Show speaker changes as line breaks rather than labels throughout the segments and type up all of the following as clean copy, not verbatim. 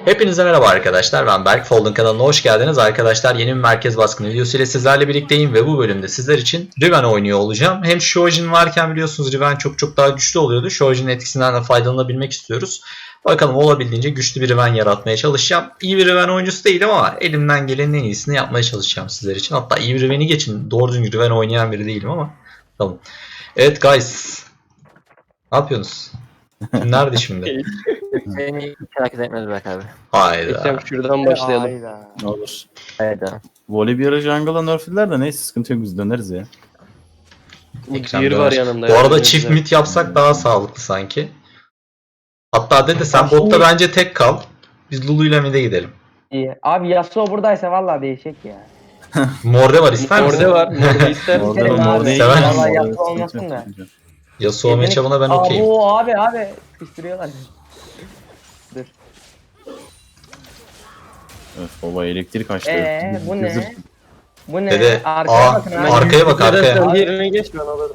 Hepinize merhaba arkadaşlar, ben Berk. Folding kanalına hoş geldiniz. Arkadaşlar yeni bir merkez baskını videosu ile sizlerle birlikteyim ve bu bölümde sizler için Riven oynuyor olacağım. Hem Shojin varken biliyorsunuz Riven çok daha güçlü oluyordu. Shojin'in etkisinden de faydalanabilmek istiyoruz. Bakalım olabildiğince güçlü bir Riven yaratmaya çalışacağım. İyi bir Riven oyuncusu değilim ama elimden gelenin en iyisini yapmaya çalışacağım sizler için. Hatta iyi bir Riven'i geçin, doğru düzgün Riven oynayan biri değilim ama tamam. Evet guys, ne yapıyorsunuz? Nerede şimdi?
Seni hiç hareket etmez Berk abi.
Hayda.
Ekrem şuradan başlayalım.
Ne olur.
Hayda.
Volibear'ı jungle'a nerflediler de neyse sıkıntı yok, biz döneriz ya.
Ekrem
Bir
döner.
var yanımda.
Bu arada
ya,
çift
güzel.
mid yapsak daha sağlıklı sanki. Hatta dede sen
Şimdi-
botta bence tek kal. Biz Lulu ile mid'e gidelim.
İyi. Abi Yasuo buradaysa vallahi değişik ya.
Morde var, ister misin?
Morde var. Morde ister misin?
Orada
Severim
mor
abi.
değil.
Sever
misin?
Vallahi
Yapma
sıkıntı
olmasın
yok,
da.
sıkıntı yok.
Yasuo matchup'ına ben okeyim.
Abi. Kıştırıyorlar. Dur.
Öf baba, elektrik açtı.
Bu ne? Bu ne?
Dede,
Arkaya bakın abi.
arkaya bak,
Neden
arkaya.
sen diğerine geç, ben alırım.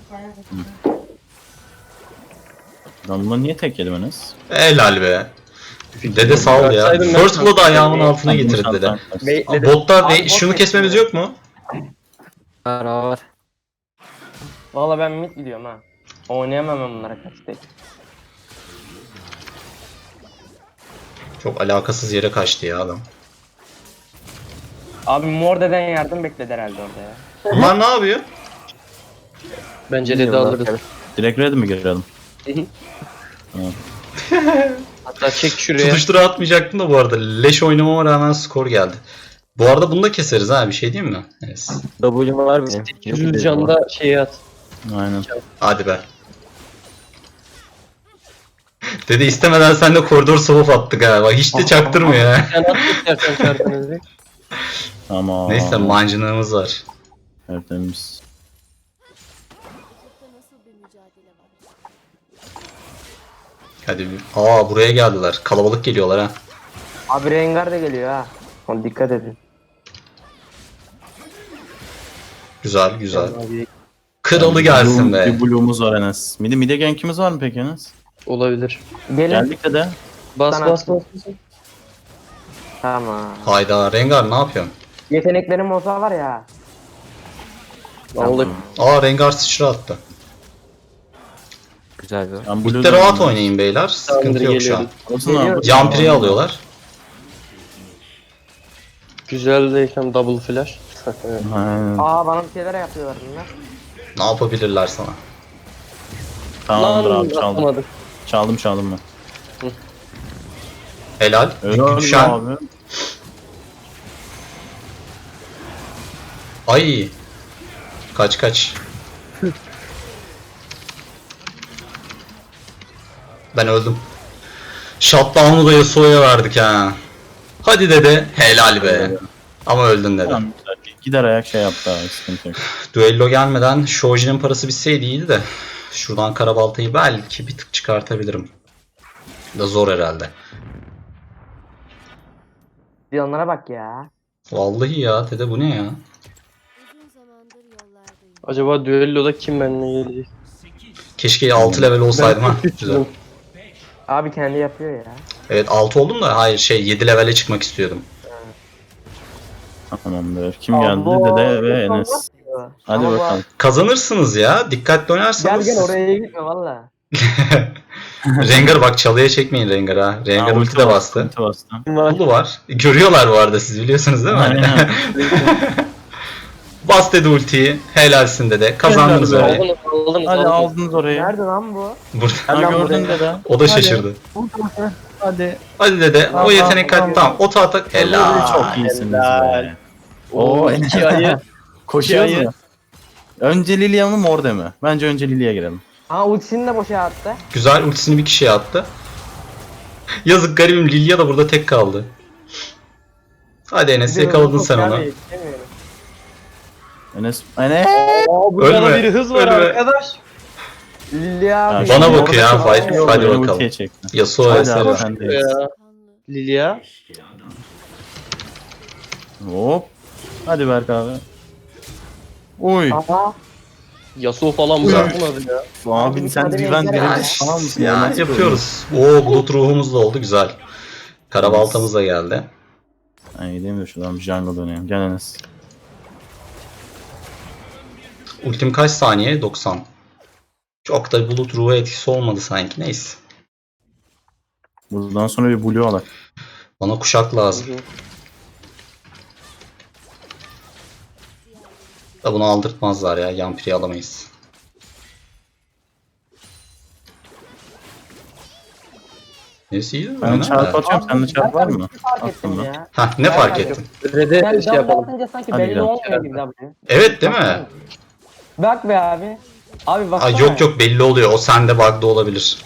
Ben bunu niye tek yedim Enes?
Helal be. Dede sağ ol ya.
Bıraksaydım ben-
First Blood'ı ayağımın altına getirdi dede.
Bekledim.
Botta
Abi,
şunu
bot
kesmemiz
bekliyor.
yok mu?
Var.
Valla ben mid gidiyorum ha. Oynayamam ben bunlara karşı tek.
Çok alakasız yere kaçtı ya adam.
Abi Morde'den yardım bekledi herhalde orada ya.
Bunlar ne yapıyor?
Bence de alırız.
Direkt red mi girelim?
Hatta çek şuraya.
Tutuştura atmayacaktım da bu arada. Leş oynamama rağmen skor geldi. Bu arada bunu da keseriz ha, bir şey diyeyim mi? Evet.
W'm var benim.
Yüz canda şeyi at.
Aynen.
Hadi be. Dede istemeden sen de koridor soğuk attık ha. Bak hiç de çaktırmıyor ha.
Sen at istersen çarpınızı.
Tamam.
Neyse mancınığımız var.
Tertemiz.
Hadi bir. Buraya geldiler. Kalabalık geliyorlar ha.
Abi Rengar da geliyor ha. Ona dikkat edin.
Güzel. Kralı gelsin be.
Bir blue'umuz var Enes. Mide gankimiz var mı peki Enes?
Olabilir.
Gelin.
Geldik de.
Bas
Sana
bas bas.
Tamam.
Hayda Rengar ne yapıyorsun?
Yeteneklerim olsa var ya.
Aldık.
Rengar sıçra attı.
Güzel bir.
Ben
Bitti rahat oynayın beyler. Sıkıntı yok şu an.
Geliyor.
Jumper'i alıyorlar.
Güzel de Ekrem double flash. Evet.
Aynen.
Bana bir şeyler yapıyorlar bunlar.
Ne yapabilirler sana?
Tamamdır
Lan
abi, çaldım.
atamadık.
Çaldım ben.
Helal.
Öyle
Düşen.
abi.
Ay. Kaç. Ben öldüm. Shutdown'u da Yasuo'ya verdik ha. Hadi dede. Helal be. Ama öldün dede.
Tamam, güzel. Gider ayak şey yaptı abi, sıkıntı yok.
Düello gelmeden Shojin'in parası bitseydi iyiydi de. Şuradan karabaltayı belki bir tık çıkartabilirim. Da zor herhalde.
Bir onlara bak ya.
Vallahi ya dede, bu ne ya?
Acaba düelloda kim benimle gelecek?
Keşke 6 level olsaydım ha. Güzel.
Abi kendi yapıyor ya.
Evet 6 oldum da hayır 7 levele çıkmak istiyordum.
Tamamdır. Kim geldi? Dede ve Enes. Hadi
Ama bu-
bakalım.
Kazanırsınız ya. Dikkatli
Gel
oynarsanız.
oraya gitme valla.
Rengar bak, çalıya çekmeyin Rengar ha. Rengar
Aa,
ulti de bastı.
Ulti bastı.
Ulu var. Görüyorlar bu arada, siz biliyorsunuz değil mi?
Aynen.
Bas dedi ultiyi. Helalsin dede. Kazandınız
Helal be.
orayı.
Aldınız.
Hadi aldınız orayı.
Nerede lan bu?
Burada.
Ha,
Lan
gördün
buraya.
dede.
O da şaşırdı.
Hadi.
Hadi dede. O yetenek tamam. O tahta. Helal.
Çok iyisiniz
Helal.
be. Oo,
İki ayı.
Koşuyoruz
İki ayı.
mu? Önce Lilia mı Morde mi? Bence önce Lilia'ya girelim.
Ultisini de boşa attı.
Güzel, ultisini bir kişiye attı. Yazık garibim, Lilia da burada tek kaldı. Hadi Enes, yakaladın sen onu.
Enes.
Burada
Ölme,
bir hız var
ölme.
arkadaş.
Lilya abi.
Bana
Şimdi
bakıyor ha,
orada
fight.
çok-
Hadi
Beni
bakalım.
ultiye çekti.
Yasuo
Hadi
eser.
abi, sendeyiz.
Ya. Lilia.
Hop. Hadi Berk abi. Uy.
Aha.
Yasuo falan
Güzel.
bırakmadı ya.
Abi sen
Hadi
Riven
beyler.
birinci falan mısın?
Ya
Nasıl
yapıyoruz. Oo, bulut ruhumuz da oldu, güzel. Karabaltamız da geldi.
Ben gideyim de şuradan bir jungle döneyim. Gel Enes.
Ultim kaç saniye? 90. Çok da bulut ruhu etkisi olmadı sanki. Neyse.
Buradan sonra bir blue alak.
Bana kuşak lazım. Da bunu aldırtmazlar ya. Yampiri alamayız. Neyse iyi.
Ben çarp atıyorum. Sende çarp var mı?
Fark ettim
Attım ben.
ya.
Hah ne fark ettin?
Red'e
Ben
şey yapalım.
atınca sanki
Hadi
belli
gidelim.
olmuyor gibi W.
Evet değil mi?
Bak be abi. Abi bak.
Aa, yok yok belli oluyor. O sende bug'da olabilir.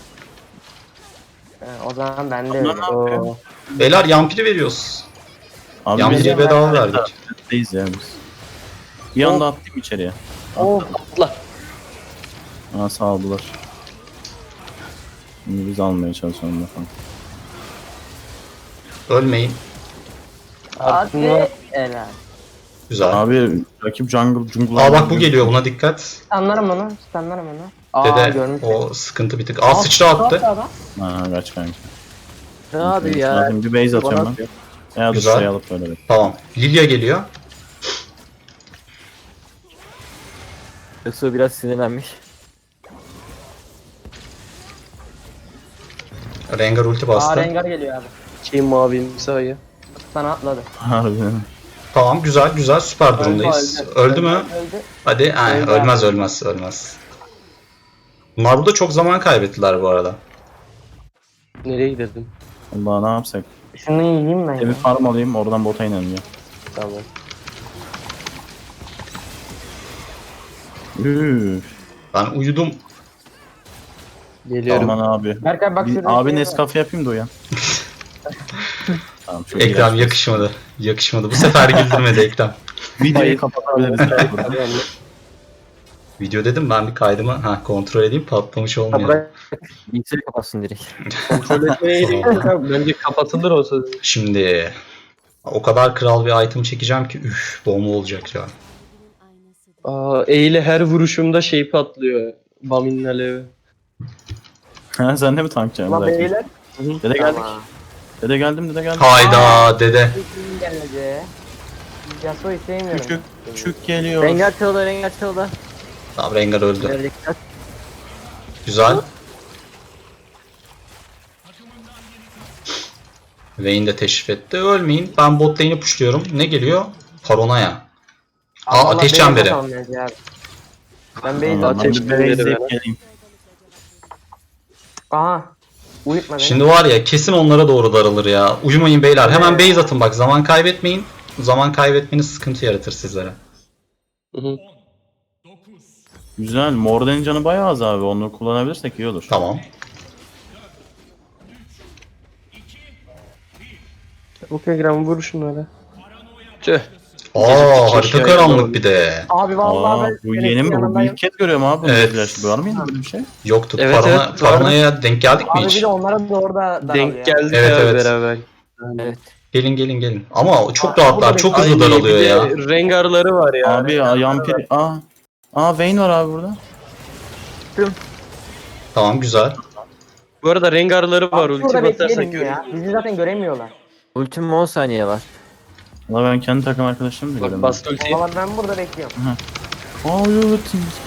O zaman ben de
Onlar
öyle.
ne yapıyor?
Oo.
Beyler yampiri veriyoruz.
Abi
Yampiri'ye
biz
bedava verdik.
Deyiz ya biz. Bir anda attım içeriye.
Oo.
Atla.
Aa sağladılar. Şimdi biz almaya çalışalım bakalım.
Ölmeyin.
Hadi. Helal.
Güzel.
Abi rakip jungle.
Aa bak bu geliyor, buna dikkat.
Anlarım onu. Anlarım onu. Aa
Dede
görmüş.
o sıkıntı bir tık. Aa sıçra attı.
Ha kaç kanka.
Ne abi ya?
Lazım bir base atıyorum ben. Ya dur
Güzel.
şuraya alıp böyle bek.
Tamam. Lilia geliyor.
Yoksa biraz sinirlenmiş.
Rengar ulti
Aa
bastı.
Rengar geliyor abi.
Şey mavimsi ayı.
Sana atladı.
Harbiden.
Tamam güzel güzel süper durumdayız. Öldü mü?
Öldü.
Hadi.
Öldü
Ölmez
abi.
ölmez. Bunlar burada çok zaman kaybettiler bu arada.
Nereye gidelim?
Allah ne yapsak?
Şunu yiyeyim ben.
Bir
ya.
farm alayım oradan bota inelim ya.
Tamam.
Üf.
Ben uyudum.
Geliyorum.
Aman abi.
Berkay bak
Bir,
şurada.
abi
şey var.
Nescafe yapayım da uyan. Tamam çok iyi.
Ekrem yakışmadı. Yakışmadı. Bu sefer güldürmedi Ekrem.
Videoyu
Hayır.
kapatabiliriz.
Video dedim, ben bir kaydımı kontrol edeyim, patlamış
Ha,
olmuyor.
bırak. Bilgisayarı kapatsın direkt.
Kontrol etmeye gerek yok abi. Bence kapatılır o söz.
Şimdi o kadar kral bir item çekeceğim ki üf bomba olacak ya.
Aa, E ile her vuruşumda şey patlıyor. Bamin'in alevi.
Ha sen de mi tankçı?
Ulan beyler.
Dede geldik. Dede geldim.
Hayda dede.
Kim gelmedi? Yasuo'yu sevmiyorum.
Küçük geliyor.
Rengar çaldı.
Tamam Rengar öldü.
Verecekler.
Güzel. Vayne de teşrif etti. Ölmeyin. Ben bot lane'i pushluyorum. Ne geliyor? Paranoya. Aa ateş çemberi.
Ben base
Tamam, ben
atıyorum.
bir base izleyip geleyim.
Aha. Uyutma beni.
Şimdi var ya kesin onlara doğru daralır ya. Uyumayın beyler. Hemen base atın bak. Zaman kaybetmeyin. Zaman kaybetmeniz sıkıntı yaratır sizlere.
Hı hı.
Güzel. Morden'in canı bayağı az abi. Onu kullanabilirsek iyi olur.
Tamam.
Çabuk Ekrem vur şunları. Tüh.
Aa harita
kişi
karanlık bir de.
Abi vallahi
Aa,
ben
bu
senin
yeni mi bu?
yanındayım.
İlk kez görüyorum abi bunu.
Evet.
Evet. Var mı yine böyle bir şey?
Yoktu.
Evet, evet,
Paranoya denk geldik mi
Abi bir
hiç?
de onlara doğru da
Denk geldik
Evet,
ya
evet.
beraber.
Evet.
Gelin. Ama çok
Aa,
rahatlar.
burada
Çok
Ay,
hızlı daralıyor
bir de
ya.
Rengarları var ya.
Abi Yampiri. Aa Vayne var abi burada.
Tamam güzel.
Bu arada Rengarları var.
Burada
Ulti batarsak
bekleyelim
görürüz.
ya. Bizi zaten göremiyorlar.
Ultim 10 saniye var.
Valla ben kendi takım arkadaşlarımı da
Bak
görüyorum.
bastı ultiyi.
Valla ben burada bekliyorum.
Aa evet.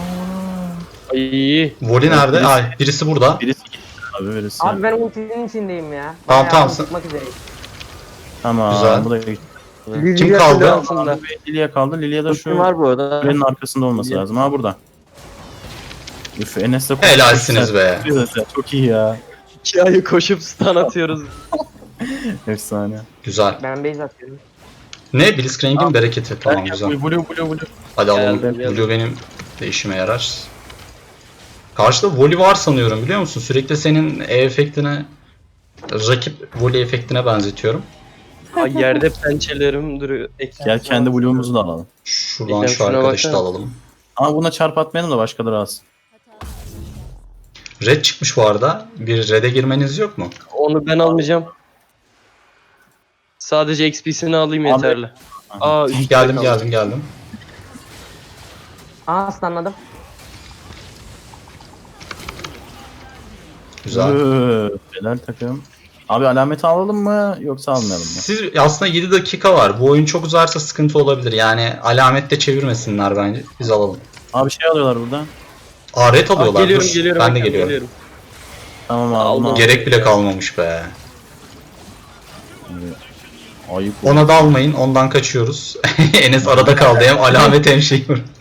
Ay.
Voli nerede? Ay birisi burada.
Birisi gitti abi birisi.
Abi ben ultinin içindeyim ya.
Tamam,
Bayağı
tamam.
Çıkmak üzereyim.
Tamam
Güzel.
bu da gitti.
Kim
Lilia
kaldı?
kule altında.
Lilia kaldı. Lilia da
Ultim
şu
var bu arada.
kulenin arkasında olması lazım. Ha burada. Üf Enes de koştu.
Helalsiniz be.
Güzel, çok iyi ya.
2 ayı koşup stun atıyoruz.
Efsane.
Güzel.
Ben base atıyorum.
Ne? Blitzcrank'in bereketi. Tamam
Gel,
güzel.
Blue.
Hadi alalım.
Geldim.
Blue benim de işime yarar. Karşıda Voli var sanıyorum biliyor musun? Sürekli senin efektine, rakip Voli efektine benzetiyorum.
Ay yerde pençelerim duruyor.
Gel kendi Blue'umuzu da alalım.
Şuradan
İlker,
şu
şuna
arkadaşı da
baksana.
alalım.
Ama buna çarp atmayalım da başkaları alsın.
Red çıkmış bu arada. Bir red'e girmeniz yok mu?
Onu ben almayacağım. Sadece XP'sini alayım
Abi.
yeterli. Aa üstte kaldı.
Geldim.
Aa stunladım.
Güzel.
Helal takım. Abi alameti alalım mı yoksa almayalım mı?
Siz aslında 7 dakika var. Bu oyun çok uzarsa sıkıntı olabilir. Yani alamette çevirmesinler bence. Biz alalım.
Abi şey alıyorlar burada.
Aa red alıyorlar.
Geliyorum
Dur.
geliyorum.
Ben de
Ekrem,
geliyorum.
Tamam abi.
Aldım.
bunu
Gerek bile kalmamış be.
aldım. Ayıp.
Ona da almayın. Ondan kaçıyoruz. Enes arada kaldı. Hem alamet hem şey.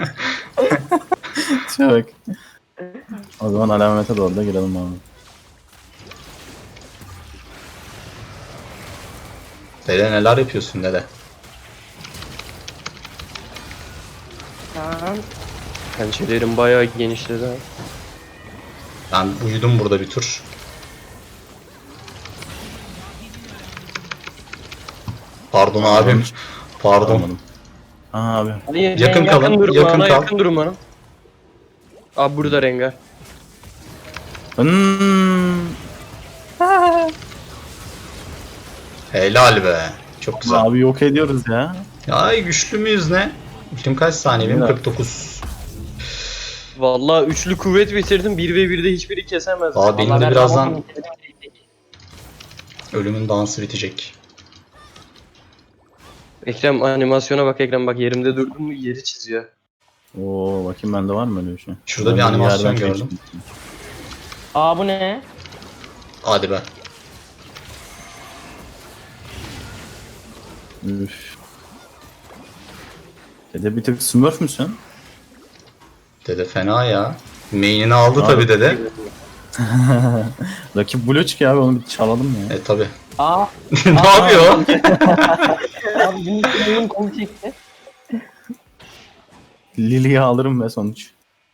Bak. O zaman alamete doğru da girelim abi.
Dede neler yapıyorsun dede?
Tamam.
Pençelerim bayağı genişledi ha.
Ben uyudum burada bir tur. Pardon abim. Pardon.
Almadım. Aha abi.
Ali,
Yakın
Rengar,
kalın,
durma
yakın
bana,
kal.
yakın durma bana. Abi burada Rengar.
Hmm.
Helal be. Çok güzel.
Abi yok ediyoruz ya.
Ay güçlü müyüz ne? Ultim kaç saniye benim?
Evet.
49.
Vallahi üçlü kuvvet bitirdim. 1v1'de hiçbiri kesemez.
Aa benim
Vallahi
de
ben
birazdan
tamamım.
ölümün dansı bitecek.
Ekrem animasyona bak Ekrem, bak yerimde durdum mu yeri çiziyor.
Oo bakayım bende var mı öyle bir şey?
Şurada
Ben
bir
de
animasyon
yerden
gördüm.
geçtim.
Aa bu ne?
Hadi be.
Üf. Dede bir tık smurf müsün?
Dede fena ya. Main'ini aldı
Abi.
tabi dede.
Rakip blue çıkıyor abi onu bir çalalım ya.
Tabi.
Aa.
Ne yapıyor?
Abi bunun oyun kolu çekti.
Lily'yi alırım ve sonuç.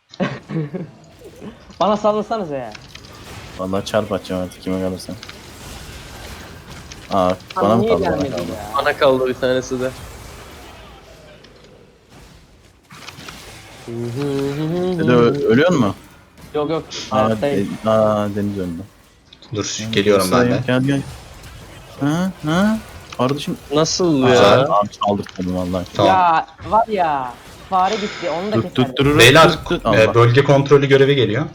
Bana sallasanıza ya.
Vallahi çarp atacağım artık kime kalırsa. Aa bana
Bana
mı
niye
kaldı? Bana
gelmedi
kaldı.
ya?
Bana kaldı bir tanesi de.
Dede ölüyor mu?
Yok yok.
Aa,
Hayattayım.
Deniz öldü.
Dur geliyorum ben de.
Gel gel. Ha? Kardeşim.
Nasıl
Güzel.
ya?
Abi çaldırtmadım vallahi.
Tamam.
Ya var ya. Fare gitti onu da keserdim.
Tuttururuz.
Beyler
Allah.
bölge kontrolü görevi geliyor.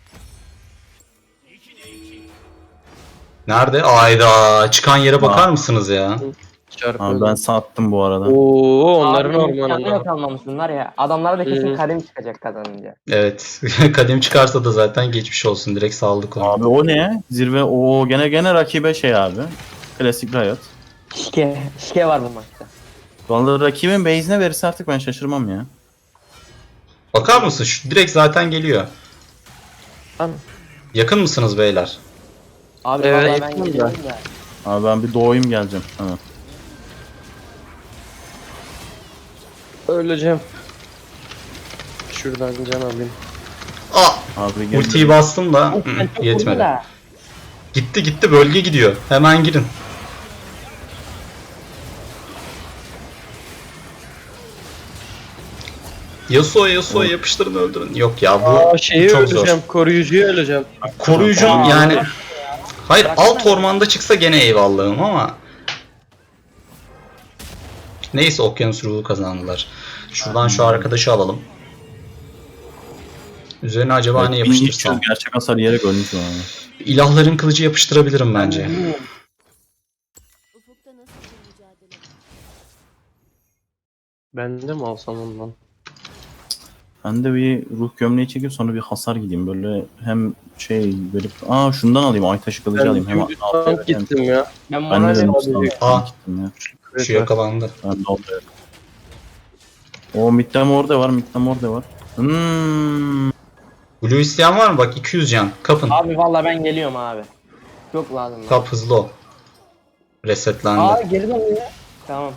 Nerede? Ayda çıkan yere bakar mısınız ya?
Çarpı.
Abi ben sattım bu arada.
Oo onların
Abi, yanına
ormanında.
kalmamışsınlar ya. Adamlara da kesin
Hı.
kadim çıkacak kazanınca.
Evet. Kadim çıkarsa da zaten geçmiş olsun. Direkt saldık onu.
Abi o ne? Zirve o gene rakibe şey abi. Klasik Riot.
Şike var bu maçta.
Vallahi rakibin base'ine verirse artık ben şaşırmam ya.
Bakar mısın? Şu direkt zaten geliyor.
Tamam.
Yakın mısınız beyler?
Abi
Evet,
vallahi ben
yakın
geliyorum da.
Abi ben bir doğayım geleceğim. Tamam.
Öleceğim. Şuradan can alayım.
Aa!
Abi gel.
Ultiyi bastım da
Of, ben çok vurdu
yetmedi.
da.
Gitti bölge gidiyor. Hemen girin. Yasuo yapıştırın öldürün. Yok ya bu
Aa şeyi
çok
öleceğim.
zor.
Koruyucuyu öleceğim.
Koruyucu
Aa.
yani. Hayır
Bıraksana
alt
ya.
ormanda çıksa gene eyvallahım ama. Neyse okyanus ruhu kazandılar. Şuradan şu arkadaşı alalım. Üzerine acaba ne yapıştırsam?
Gerçek hasar yiyerek ölmüş o abi.
İlahların kılıcı yapıştırabilirim bence.
Ufukta nasıl bir mücadele var?
Ben de mi alsam ondan?
Ben de bir ruh gömleği çekip sonra bir hasar gideyim. Böyle hem şey verip... Aa şundan alayım. Ay taşı kılıcı
Ben
alayım. Hem
dümdüz tank gittim ya.
Ben
Ben de
moralim
dedim
Aa.
gittim ya.
Şu yakalandı.
Ben de oldu. O midden orada var.
Blue isteyen var mı? Bak 200 can. Kapın.
Abi vallahi ben geliyorum abi. Çok lazım. bana.
Kap hızlı ol. Resetlendi.
Aa geri dönüyor. Tamam.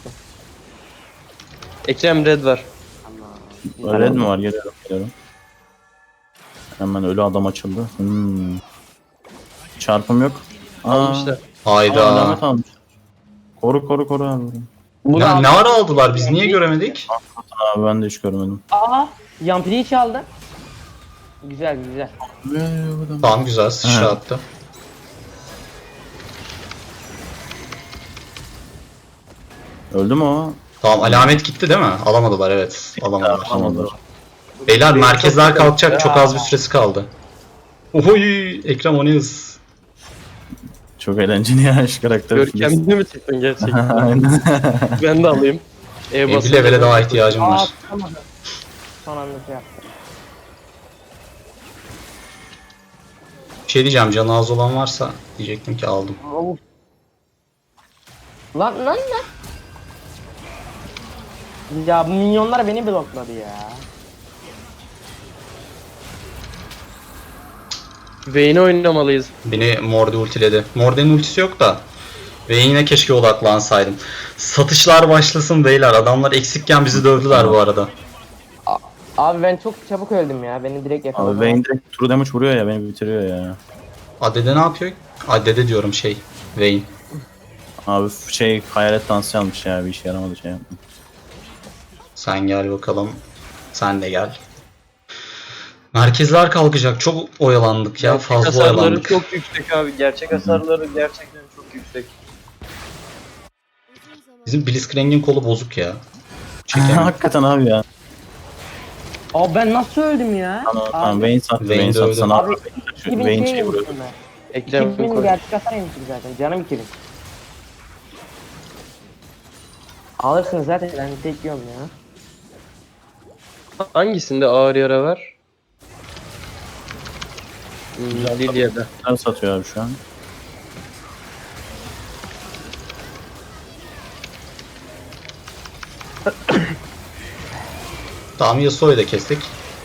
Ekrem red var.
Tamam.
Red mi var? Geliyorum. Hemen ölü adam açıldı. Çarpım yok.
Almışlar.
Hayda.
Alamet almış. Koru abi.
Ne ara aldılar? Biz niye göremedik?
Abi ben de hiç görmedim.
Aa Yampiri'yi çaldı. Güzel.
Tamam güzel sıçra attı.
Öldü mü o?
Tamam alamet gitti değil mi? Alamadılar evet. Alamadılar.
Alamadılar.
Beyler merkezler kalkacak. Çok az bir süresi kaldı. Oy Ekrem o ne hız.
çok eğlenceli ya şu karakter.
Görkemli mi çıktın gerçekten?
Aynen.
Ben de alayım.
Bir levele daha ihtiyacım
Aa
var.
tutamadım. Son anda şey yaptım.
Bir şey diyeceğim, canı az olan varsa diyecektim ki aldım.
Of. Lan. Ya bu minyonlar beni blokladı ya.
Vayne'i oynamalıyız.
Beni Morde ultiledi. Morde'nin ultisi yok da. Ve yine keşke odaklansaydım. Satışlar başlasın beyler. Adamlar eksikken bizi dövdüler bu arada.
Abi ben çok çabuk öldüm ya. Beni direkt
Abi
yakaladı.
Vayne direkt true damage vuruyor ya, beni bitiriyor ya.
Adede ne yapıyor? Adede diyorum Vayne.
Abi hayalet dansı almış ya, bir işe yaramadı şey yapma.
Sen gel bakalım. Sen de gel. Merkezler kalkacak. Çok oyalandık ya.
Gerçek
Fazla
hasarları
oyalandık.
çok yüksek abi. Gerçek hasarları gerçekten çok yüksek.
Uzun zaman
Bizim Blitzcrank'in kolu bozuk ya. Çekemiyor.
Hakikaten abi ya.
Abi ben nasıl öldüm ya?
Tamam Vayne sattı,
Vayne
Vayne
de
sattı
öldü.
sana.
Abi,
Vayne şey vuruyor.
Ekrem
2000
koy.
gerçek hasar yemişim zaten. Canım 2000. Alırsınız zaten. Ben tek yiyorum ya.
Hangisinde ağır yara var? Lilya'da.
Sen satıyor abi şu an.
Tamam, Yasuo'yu da kestik.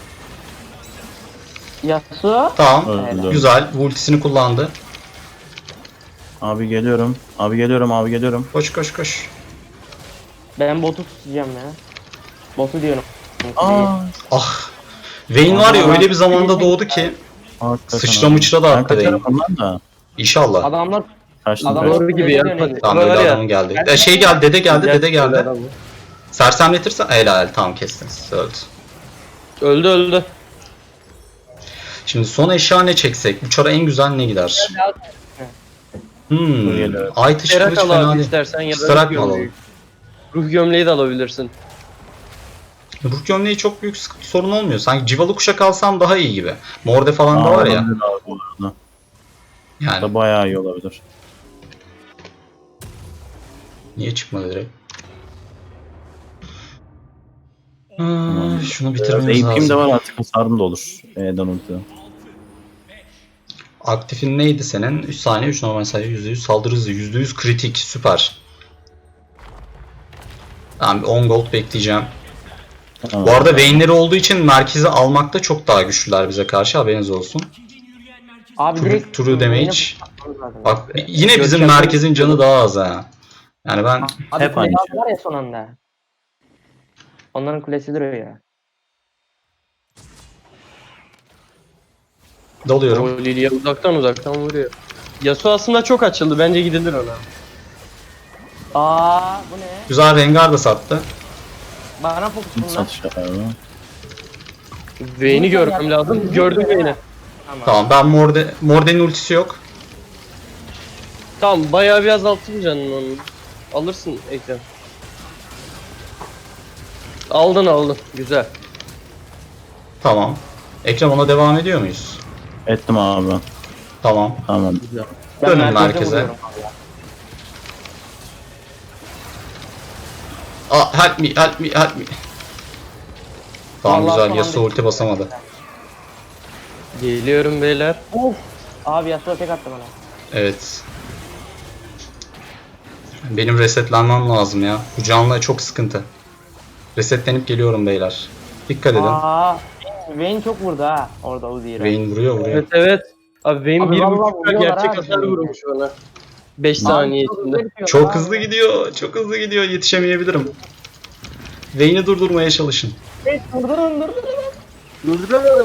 Yasuo.
Tamam.
Öldü.
Güzel. Ultisini kullandı.
Abi geliyorum. Abi geliyorum.
Koş.
Ben botu tutacağım ya. Botu diyorum.
Ah. Vayne var ya, öyle bir zamanda doğdu ki.
Hakikaten
Sıçra
abi.
mıçra da
Ben
attı
kaçarım
Vayne.
ondan da.
İnşallah.
Adamlar
Kaçtım.
Adamlar-
Doğru gibi ya.
Tamam,
Var
öyle
ya.
adamın geldi. Dede geldi. Sersemletirse helal, tamam kestiniz. Öldü.
Öldü.
Şimdi son eşya ne çeksek? Bu çara en güzel ne gider?
Geliyor.
Ay taşı
Terak
kılıç
al
fena
abi
değil.
istersen ya da
Starak
ruh
mı
gömleği. Ruh gömleği de alabilirsin.
Ruh gömleği çok büyük sorun olmuyor. Sanki civalı kuşak alsam daha iyi gibi. Morde falan da var ya.
Olabilir abi bu arada.
Yani
Da bayağı iyi olabilir.
niye çıkmadı direkt? Şunu bitirmemiz
AP'm de
lazım.
var artık, hasarım da olur. E'den ulti.
Aktifin neydi senin? 3 saniye 3 normal sayı, %100 saldırı hızı, %100 kritik, süper. Tamam, bir 10 gold bekleyeceğim.
Tamam.
Bu arada Vayne'leri olduğu için merkezi almakta çok daha güçlüler bize karşı, haberiniz olsun.
abi direkt
True damage.
Yine tutmamız lazım.
Bak yine bizim
Görkem-
merkezin canı daha az ha. Yani ben
Abi
hep
kule
aynı
aldılar ya son anda. Onların kulesi duruyor ya.
dalıyorum.
O Lilya uzaktan vuruyor. Yasuo aslında çok açıldı. Bence gidilir ona.
Aa bu ne?
Güzel, Rengar da sattı.
Bana fokus
Hiç
bunlar.
satış abi.
Vayne'i görmem lazım. Gördüm Vayne'i.
Tamam, ben Morde'nin ultisi yok.
Tamam bayağı bir azalttım canını onun. Alırsın Ekrem. Aldın. Güzel.
Tamam. Ekrem, ona devam ediyor muyuz?
Ettim abi ben.
Tamam.
Tamam.
Ben
Dönün merkeze.
vuruyorum abi ya.
Help me. Tamam,
Vallahi
güzel.
tamam
Yasuo ulti basamadı.
Geliyorum beyler.
Of. Abi Yasuo tek attı bana.
Evet. Benim resetlenmem lazım ya. Bu canlı çok sıkıntı. Resetlenip geliyorum beyler. Dikkat edin.
Aa. Vayne çok vurdu ha. Orada Uzi'yle.
Vayne vuruyor.
Evet. Abi Vayne
Abi
1.5
vallahi vuruyorlar
gerçek
abi.
hasar vurmuş bana. 5 saniye içinde.
Çok hızlı gidiyor. Çok hızlı gidiyor. Yetişemeyebilirim. Vayne'i durdurmaya çalışın.
Durdurun.
Durduramadım.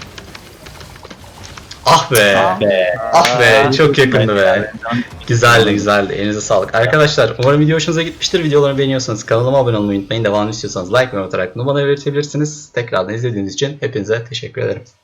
Ah be. Ah be. Çok yakındı be. Güzeldi. Elinize sağlık. Arkadaşlar umarım video hoşunuza gitmiştir. Videolarımı beğeniyorsanız kanalıma abone olmayı unutmayın. Devamını istiyorsanız like ve atarak bunu bana belirtebilirsiniz. Tekrardan izlediğiniz için hepinize teşekkür ederim.